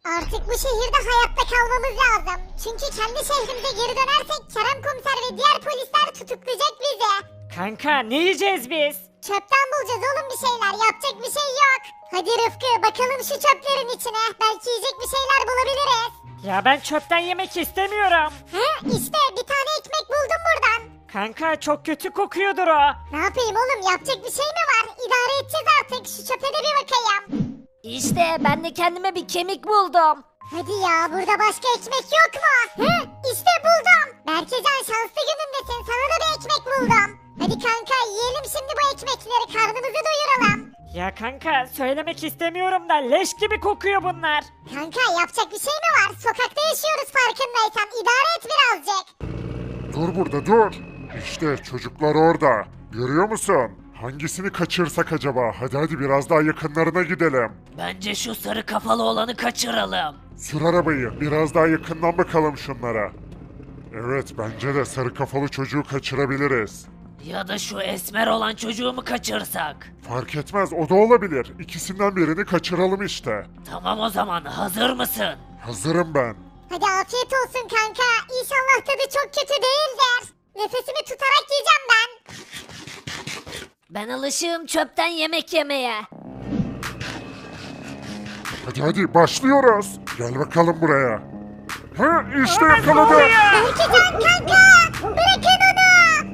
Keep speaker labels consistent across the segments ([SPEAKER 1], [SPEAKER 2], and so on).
[SPEAKER 1] Artık bu şehirde hayatta kalmamız lazım. Çünkü kendi şehrimize geri dönersek Kerem komiser ve diğer polisler tutuklayacak bizi.
[SPEAKER 2] Kanka ne yiyeceğiz biz?
[SPEAKER 1] Çöpten bulacağız oğlum bir şeyler. Yapacak bir şey yok. Hadi Rıfkı bakalım şu çöplerin içine. Belki yiyecek bir şeyler bulabiliriz.
[SPEAKER 2] Ya ben çöpten yemek istemiyorum.
[SPEAKER 1] He işte bir tane ekmek buldum buradan.
[SPEAKER 2] Kanka çok kötü kokuyordur o.
[SPEAKER 1] Ne yapayım oğlum yapacak bir şey mi var? İdare edeceğiz artık. Şu çöpe de bir bakayım.
[SPEAKER 3] İşte ben de kendime bir kemik buldum.
[SPEAKER 1] Hadi ya burada başka ekmek yok mu? He işte buldum. Berkecan şanslı günündesin. Sana da bir ekmek buldum. Hadi kanka yiyelim şimdi bu ekmekleri. Karnımızı doyuralım.
[SPEAKER 2] Ya kanka söylemek istemiyorum da leş gibi kokuyor bunlar.
[SPEAKER 1] Kanka yapacak bir şey mi var? Sokakta yaşıyoruz farkındaysan. İdare et birazcık.
[SPEAKER 4] Dur burada dur. İşte çocuklar orada. Görüyor musun? Hangisini kaçırsak acaba? Hadi biraz daha yakınlarına gidelim.
[SPEAKER 3] Bence şu sarı kafalı olanı kaçıralım.
[SPEAKER 4] Sür arabayı. Biraz daha yakından bakalım şunlara. Evet bence de sarı kafalı çocuğu kaçırabiliriz.
[SPEAKER 3] Ya da şu esmer olan çocuğu mu kaçırsak?
[SPEAKER 4] Fark etmez o da olabilir. İkisinden birini kaçıralım işte.
[SPEAKER 3] Tamam o zaman hazır mısın?
[SPEAKER 4] Hazırım ben.
[SPEAKER 1] Hadi afiyet olsun kanka. İnşallah tadı çok kötü değildir. Nefesimi tutarak yiyeceğim ben.
[SPEAKER 3] Ben alışığım çöpten yemek yemeye.
[SPEAKER 4] Hadi başlıyoruz. Gel bakalım buraya. Ha işte yakaladım.
[SPEAKER 1] Berkecan kanka. Bırakın onu.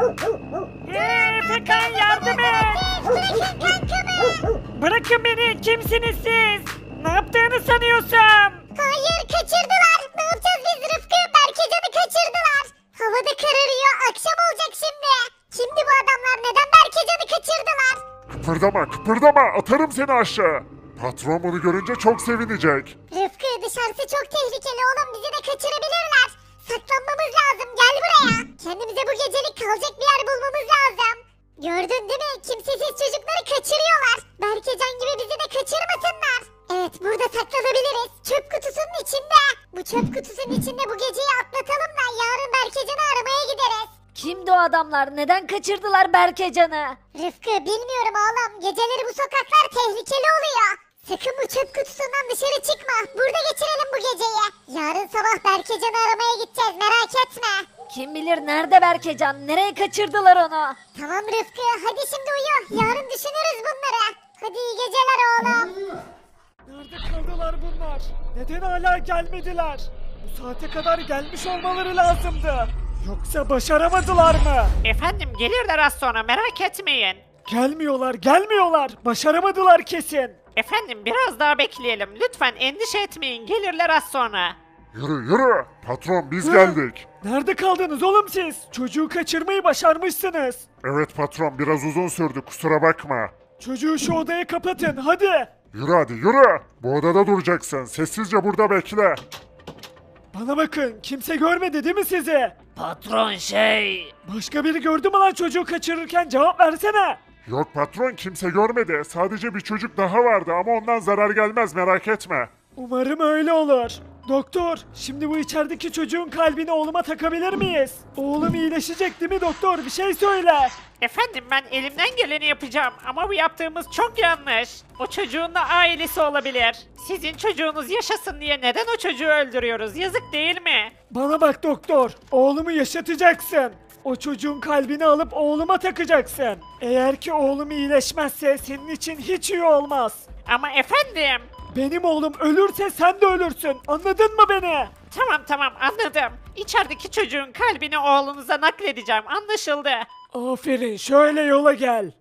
[SPEAKER 2] Efekan yardım et.
[SPEAKER 1] Bırakın kankamı.
[SPEAKER 2] Bırakın beni kimsiniz siz? Ne yaptığını sanıyorsun?
[SPEAKER 1] Hayır kaçırdılar. Ne yapacağız biz Rıfkı? Berkecan'ı kaçırdılar. Havada kararıyor. Akşam olacak şimdi. Kimdi bu adamlar? Neden Berkecan'ı kaçırdılar?
[SPEAKER 4] Kıpırdama atarım seni aşağı. Patron bunu görünce çok sevinecek.
[SPEAKER 1] Rıfkı dışarısı çok tehlikeli oğlum. Bizi de kaçırabilirler. Saklanmamız lazım. Gel buraya. Kendimize bu gecelik kalacak bir yer bulmamız lazım. Gördün değil mi? Kimsesiz çocukları kaçırıyorlar. Berkecan gibi bizi de kaçırmasınlar. Evet burada saklanabiliriz. Çöp kutusunun içinde. Bu çöp kutusunun içinde bu geceyi atlatalım da yarın Berkecan'ı aramaya gideriz.
[SPEAKER 3] Kimdi o adamlar? Neden kaçırdılar Berkecan'ı?
[SPEAKER 1] Rıfkı bilmiyorum oğlum. Geceleri bu sokaklar tehlikeli oluyor. Sakın bu çöp kutusundan dışarı çıkma. Burada geçirelim bu geceyi. Yarın sabah Berkecan'ı aramaya gideceğiz merak etme.
[SPEAKER 3] Kim bilir nerede Berkecan? Nereye kaçırdılar onu?
[SPEAKER 1] Tamam Rıfkı hadi şimdi uyu. Yarın düşünürüz bunları. Hadi iyi geceler oğlum.
[SPEAKER 2] Nerede kaldılar bunlar? Neden hala gelmediler? Bu saate kadar gelmiş olmaları lazımdı. Yoksa başaramadılar mı?
[SPEAKER 5] Efendim gelirler az sonra merak etmeyin.
[SPEAKER 2] Gelmiyorlar. Başaramadılar kesin.
[SPEAKER 5] Efendim biraz daha bekleyelim. Lütfen endişe etmeyin. Gelirler az sonra.
[SPEAKER 4] Yürü. Patron biz geldik.
[SPEAKER 2] Nerede kaldınız oğlum siz? Çocuğu kaçırmayı başarmışsınız.
[SPEAKER 4] Evet patron biraz uzun sürdü kusura bakma.
[SPEAKER 2] Çocuğu şu odaya kapatın hadi.
[SPEAKER 4] Yürü. Bu odada duracaksın. Sessizce burada bekle.
[SPEAKER 2] Bana bakın kimse görmedi değil mi sizi?
[SPEAKER 3] Patron
[SPEAKER 2] Başka biri gördü mü lan çocuğu kaçırırken cevap versene.
[SPEAKER 4] Yok patron kimse görmedi. Sadece bir çocuk daha vardı ama ondan zarar gelmez merak etme.
[SPEAKER 2] Umarım öyle olur. Doktor, şimdi bu içerideki çocuğun kalbini oğluma takabilir miyiz? Oğlum iyileşecek değil mi doktor? Bir şey söyle.
[SPEAKER 5] Efendim ben elimden geleni yapacağım ama bu yaptığımız çok yanlış. O çocuğun da ailesi olabilir. Sizin çocuğunuz yaşasın diye neden o çocuğu öldürüyoruz? Yazık değil mi?
[SPEAKER 2] Bana bak doktor, oğlumu yaşatacaksın. O çocuğun kalbini alıp oğluma takacaksın. Eğer ki oğlum iyileşmezse senin için hiç iyi olmaz.
[SPEAKER 5] Ama efendim.
[SPEAKER 2] Benim oğlum ölürse sen de ölürsün. Anladın mı beni?
[SPEAKER 5] Tamam anladım. İçerideki çocuğun kalbini oğlunuza nakledeceğim. Anlaşıldı.
[SPEAKER 2] Aferin, şöyle yola gel.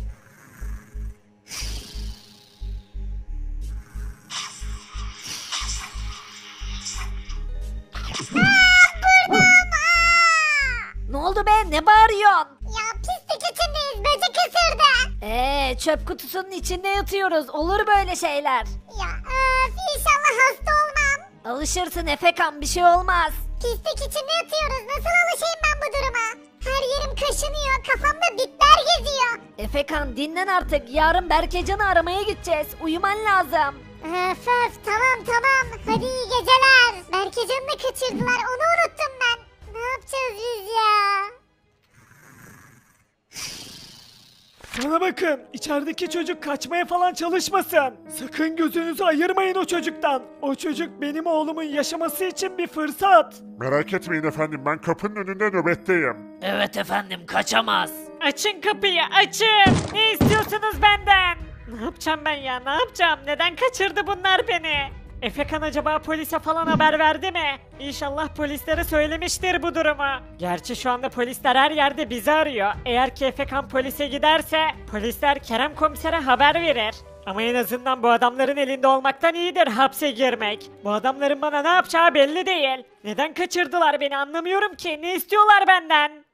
[SPEAKER 3] Ne oldu be? Ne bağırıyorsun?
[SPEAKER 1] Ya pislik içindeyiz böcek ısırdı.
[SPEAKER 3] Çöp kutusunun içinde yatıyoruz. Olur böyle şeyler.
[SPEAKER 1] Ya öf inşallah hasta olmam.
[SPEAKER 3] Alışırsın Efekan bir şey olmaz.
[SPEAKER 1] Pislik içinde yatıyoruz nasıl alışayım ben bu duruma? Her yerim kaşınıyor kafamda bitler geziyor.
[SPEAKER 3] Efekan dinlen artık. Yarın Berkecan'ı aramaya gideceğiz. Uyuman lazım.
[SPEAKER 1] Öf tamam hadi iyi geceler. Berkecan'ı da kaçırdılar onu unuttum ben. Ne yapacağız biz ya?
[SPEAKER 2] Bana bakın, içerideki çocuk kaçmaya falan çalışmasın. Sakın gözünüzü ayırmayın o çocuktan. O çocuk benim oğlumun yaşaması için bir fırsat.
[SPEAKER 4] Merak etmeyin efendim, ben kapının önünde nöbetteyim.
[SPEAKER 6] Evet efendim, kaçamaz.
[SPEAKER 5] Açın kapıyı açın. Ne istiyorsunuz benden? Ne yapacağım ben ya ne yapacağım? Neden kaçırdı bunlar beni? Efekan acaba polise falan haber verdi mi? İnşallah polislere söylemiştir bu durumu. Gerçi şu anda polisler her yerde bizi arıyor. Eğer ki Efekan polise giderse polisler Kerem komisere haber verir. Ama en azından bu adamların elinde olmaktan iyidir hapse girmek. Bu adamların bana ne yapacağı belli değil. Neden kaçırdılar beni anlamıyorum ki. Ne istiyorlar benden?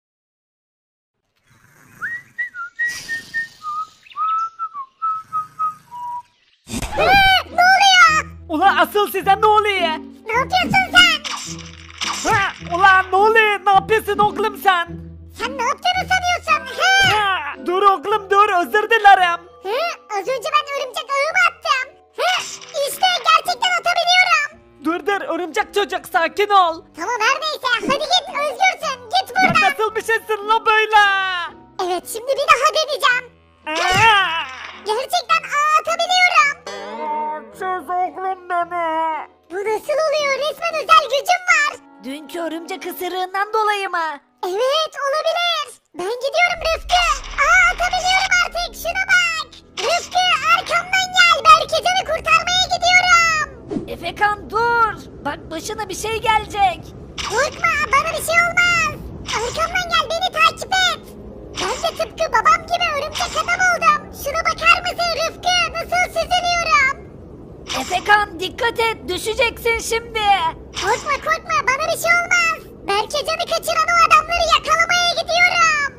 [SPEAKER 1] Ne oluyor?
[SPEAKER 2] Ulan asıl size ne oluyor?
[SPEAKER 1] Ne yapıyorsun sen?
[SPEAKER 2] Ha, ulan ne oluyor? Ne yapıyorsun oğlum sen?
[SPEAKER 1] Sen ne yaptığını sanıyorsun? He?
[SPEAKER 2] Ha, dur oğlum dur, özür dilerim.
[SPEAKER 1] He? Az önce ben örümcek ağımı attım. He? İşte gerçekten atabiliyorum.
[SPEAKER 2] Dur örümcek çocuk, sakin ol.
[SPEAKER 1] Tamam her neyse hadi git özgürsün. Git
[SPEAKER 2] Sen
[SPEAKER 1] buradan.
[SPEAKER 2] nasıl bir şeysin la böyle?
[SPEAKER 1] Evet şimdi bir daha deneyeceğim.
[SPEAKER 2] Aa!
[SPEAKER 1] Gerçekten ağ atabiliyorum.
[SPEAKER 2] Çöz oğlum beni.
[SPEAKER 1] Bu nasıl oluyor? Resmen özel gücüm var.
[SPEAKER 3] Dünkü örümcek ısırığından dolayı mı?
[SPEAKER 1] Evet olabilir. Ben gidiyorum Rıfkı. Ağ atabiliyorum artık şuna bak. Rıfkı arkamdan gel. Berkecan'ı kurtarmaya gidiyorum.
[SPEAKER 3] Efekan dur. Bak başına bir şey gelecek.
[SPEAKER 1] Korkma bana bir şey olmaz. Arkamdan gel beni takip et. Ben de tıpkı babam gibi örümcek adam oldum. Şuna bakar mısın Rıfkı? Nasıl süzülüyorum?
[SPEAKER 3] Efekan dikkat et, düşeceksin şimdi.
[SPEAKER 1] Korkma bana bir şey olmaz. Berkecan'ı kaçıran o adamları yakalamaya gidiyorum.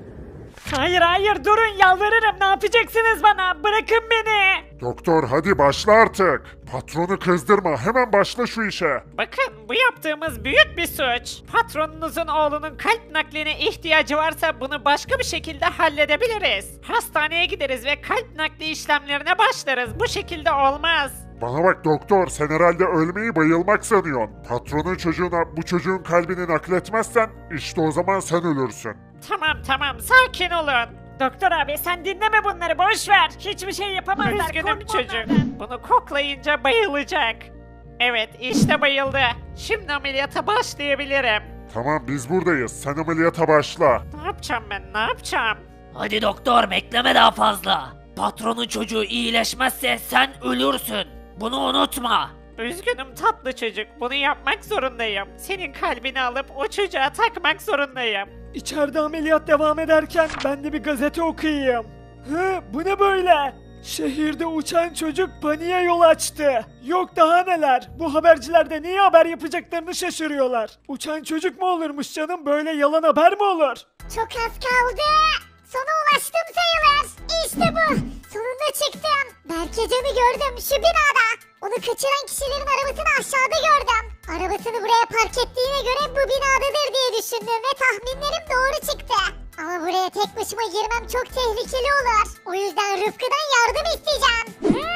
[SPEAKER 5] Hayır durun yalvarırım ne yapacaksınız bana bırakın beni.
[SPEAKER 4] Doktor hadi başla artık. Patronu kızdırma, hemen başla şu işe.
[SPEAKER 5] Bakın bu yaptığımız büyük bir suç. Patronunuzun oğlunun kalp nakline ihtiyacı varsa bunu başka bir şekilde halledebiliriz. Hastaneye gideriz ve kalp nakli işlemlerine başlarız. Bu şekilde olmaz.
[SPEAKER 4] Bana bak doktor, sen herhalde ölmeyi bayılmak sanıyorsun. Patronun çocuğuna bu çocuğun kalbini nakletmezsen işte o zaman sen ölürsün.
[SPEAKER 5] Tamam sakin olun. Doktor abi sen dinleme bunları boş ver. Hiçbir şey yapamazlar. Üzgünüm çocuk. Bunu koklayınca bayılacak. Evet işte bayıldı. Şimdi ameliyata başlayabilirim.
[SPEAKER 4] Tamam biz buradayız, sen ameliyata başla.
[SPEAKER 5] Ne yapacağım ben ne yapacağım?
[SPEAKER 6] Hadi doktor, bekleme daha fazla. Patronun çocuğu iyileşmezse sen ölürsün. Bunu unutma.
[SPEAKER 5] Üzgünüm tatlı çocuk. Bunu yapmak zorundayım. Senin kalbini alıp o çocuğa takmak zorundayım.
[SPEAKER 2] İçeride ameliyat devam ederken ben de bir gazete okuyayım. Hı, bu ne böyle? Şehirde uçan çocuk paniğe yol açtı. Yok daha neler. Bu haberciler de niye haber yapacaklarını şaşırıyorlar. Uçan çocuk mu olurmuş canım? Böyle yalan haber mi olur?
[SPEAKER 1] Çok az kaldı. Sona ulaştım sayılır. İşte bu. Sonunda çıktım. Berkecan'ı gördüm şu binada. Onu kaçıran kişilerin arabasını aşağıda gördüm. Arabasını buraya park ettiğine göre bu binadadır diye düşündüm ve tahminlerim doğru çıktı. Ama buraya tek başıma girmem çok tehlikeli olur. O yüzden Rıfkı'dan yardım isteyeceğim.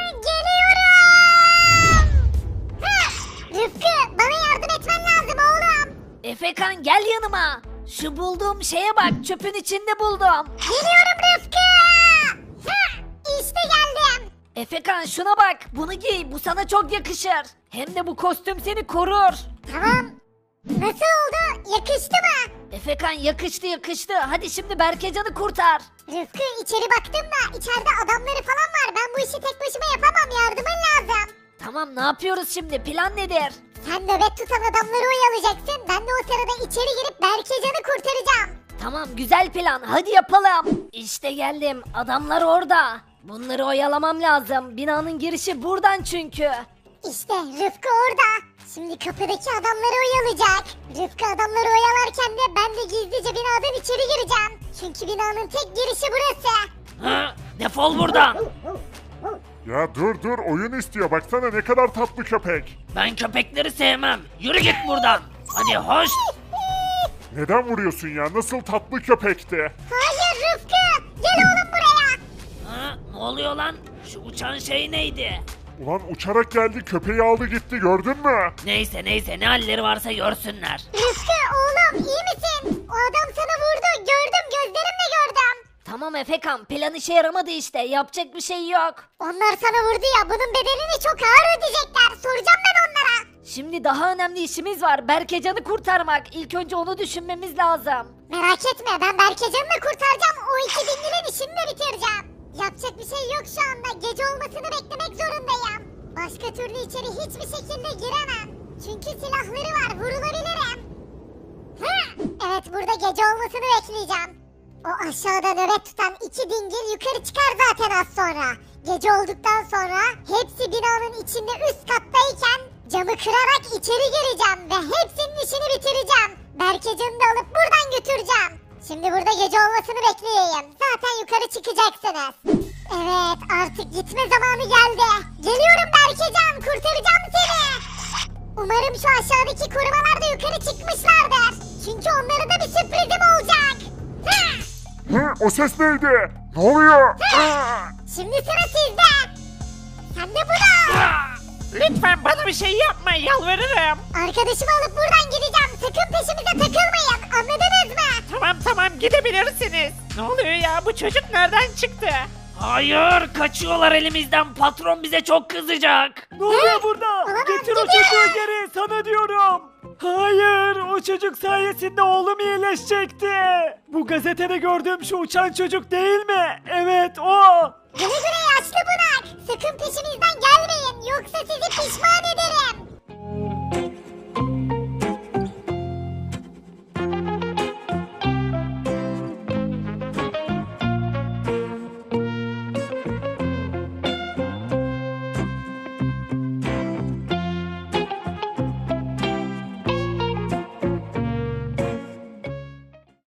[SPEAKER 1] Geliyorum. Rıfkı bana yardım etmen lazım oğlum.
[SPEAKER 3] Efekan gel yanıma. Şu bulduğum şeye bak, çöpün içinde buldum.
[SPEAKER 1] Geliyorum Rıfkı. İşte geldim.
[SPEAKER 3] Efekan şuna bak, bunu giy, bu sana çok yakışır. Hem de bu kostüm seni korur.
[SPEAKER 1] Tamam. Nasıl oldu? Yakıştı mı?
[SPEAKER 3] Efekan yakıştı. Hadi şimdi Berkecan'ı kurtar.
[SPEAKER 1] Rıfkı içeri baktım da içeride adamları falan var. Ben bu işi tek başıma yapamam. Yardımın lazım.
[SPEAKER 3] Tamam ne yapıyoruz şimdi, plan nedir?
[SPEAKER 1] Sen nöbet tutan adamları oyalayacaksın. Ben de o sırada içeri girip Berkecan'ı kurtaracağım.
[SPEAKER 3] Tamam güzel plan, hadi yapalım. İşte geldim, adamlar orada. Bunları oyalamam lazım, binanın girişi buradan çünkü.
[SPEAKER 1] İşte Rıfkı orada. Şimdi kapıdaki adamları oyalayacak. Rıfkı adamları oyalarken de ben de gizlice binadan içeri gireceğim. Çünkü binanın tek girişi burası.
[SPEAKER 6] Hı? Defol buradan.
[SPEAKER 4] Ya dur oyun istiyor, baksana ne kadar tatlı köpek.
[SPEAKER 6] Ben köpekleri sevmem. Yürü git buradan. Hadi hoş.
[SPEAKER 4] Neden vuruyorsun ya, nasıl tatlı köpekti.
[SPEAKER 1] Hayır Rıfkı. Gel oğlum buraya.
[SPEAKER 6] Hı? Ne oluyor lan? Şu uçan şey neydi?
[SPEAKER 4] Ulan uçarak geldi, köpeği aldı gitti, gördün mü?
[SPEAKER 6] Neyse ne halleri varsa görsünler.
[SPEAKER 1] Rıfkı oğlum iyi misin? O adam sana vurdu. Gördüm gözlerimle gördüm.
[SPEAKER 3] Tamam Efekan, plan işe yaramadı işte, yapacak bir şey yok.
[SPEAKER 1] Onlar sana vurdu ya, bunun bedelini çok ağır ödeyecekler. Soracağım ben onlara.
[SPEAKER 3] Şimdi daha önemli işimiz var, Berkecan'ı kurtarmak. İlk önce onu düşünmemiz lazım.
[SPEAKER 1] Merak etme, ben Berkecan'ı da kurtaracağım. O iki dingilin işini de bitireceğim. Yapacak bir şey yok şu anda. Gece olmasını beklemek zorundayım. Başka türlü içeri hiçbir şekilde giremem. Çünkü silahları var, vurulabilirim. Hı! Evet, burada gece olmasını bekleyeceğim. O aşağıda nöbet tutan iki dingil yukarı çıkar zaten az sonra. Gece olduktan sonra hepsi binanın içinde üst kattayken camı kırarak içeri gireceğim ve hepsinin işini bitireceğim. Berkecan'ı da alıp buradan götüreceğim. Şimdi burada gece olmasını bekleyeyim. Zaten yukarı çıkacaksınız. Evet, artık gitme zamanı geldi. Geliyorum Berkecan, kurtaracağım seni. Umarım şu aşağıdaki korumalar da yukarı çıkmışlardır. Çünkü onlara da bir sürprizim olacak. Hı!
[SPEAKER 4] Hı, o ses neydi? Ne oluyor?
[SPEAKER 1] Şimdi sıra sizde. Sen de bunu.
[SPEAKER 5] Lütfen bana bir şey yapma, yalvarırım.
[SPEAKER 1] Arkadaşımı alıp buradan gideceğim. Sakın peşimize takılmayın. Anladınız mı?
[SPEAKER 5] Tamam gidebilirsiniz. Ne oluyor ya, bu çocuk nereden çıktı?
[SPEAKER 6] Hayır, kaçıyorlar elimizden. Patron bize çok kızacak.
[SPEAKER 2] Ne oluyor burada?
[SPEAKER 1] Olamaz,
[SPEAKER 2] Getir o
[SPEAKER 1] gidiyor.
[SPEAKER 2] çocuğu geri, sana diyorum. Hayır, o çocuk sayesinde oğlum iyileşecekti. Bu gazetede gördüğüm şu uçan çocuk değil mi? Evet, o.